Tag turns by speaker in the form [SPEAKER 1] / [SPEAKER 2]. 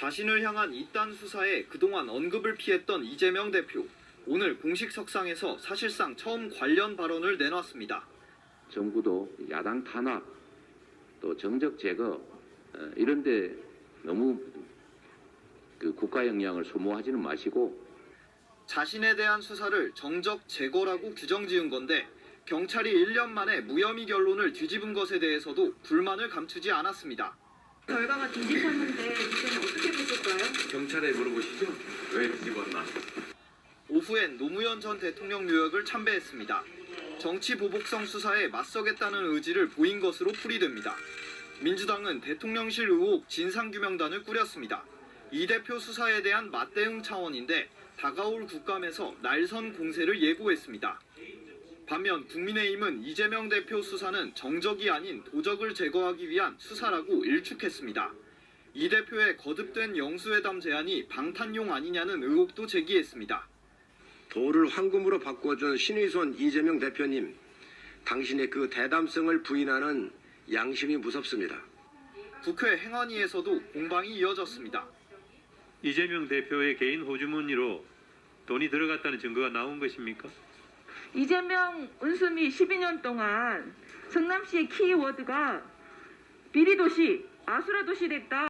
[SPEAKER 1] 자신을 향한 이딴 수사에 그동안 언급을 피했던 이재명 대표. 오늘 공식 석상에서 사실상 처음 관련 발언을 내놨습니다.
[SPEAKER 2] 정부도 야당 탄압, 또 정적 제거 이런 데 너무 국가 역량을 소모하지는 마시고
[SPEAKER 1] 자신에 대한 수사를 정적 제거라고 규정지은 건데 경찰이 1년 만에 무혐의 결론을 뒤집은 것에 대해서도 불만을 감추지 않았습니다.
[SPEAKER 3] 결과가 뒤집혔는데 이제는 어떻게 보실까요?
[SPEAKER 4] 경찰에 물어보시죠. 왜 뒤집었나?
[SPEAKER 1] 오후엔 노무현 전 대통령 묘역을 참배했습니다. 정치 보복성 수사에 맞서겠다는 의지를 보인 것으로 풀이됩니다. 민주당은 대통령실 의혹 진상규명단을 꾸렸습니다. 이 대표 수사에 대한 맞대응 차원인데 다가올 국감에서 날선 공세를 예고했습니다. 반면 국민의힘은 이재명 대표 수사는 정적이 아닌 도적을 제거하기 위한 수사라고 일축했습니다. 이 대표의 거듭된 영수회담 제안이 방탄용 아니냐는 의혹도 제기했습니다.
[SPEAKER 5] 도를 황금으로 바꿔준 신의손 이재명 대표님, 당신의 그 대담성을 부인하는 양심이 무섭습니다.
[SPEAKER 1] 국회 행안위에서도 공방이 이어졌습니다.
[SPEAKER 6] 이재명 대표의 개인 호주머니로 돈이 들어갔다는 증거가 나온 것입니까?
[SPEAKER 3] 이재명 은수미 12년 동안 성남시의 키워드가 비리도시, 아수라도시 됐다.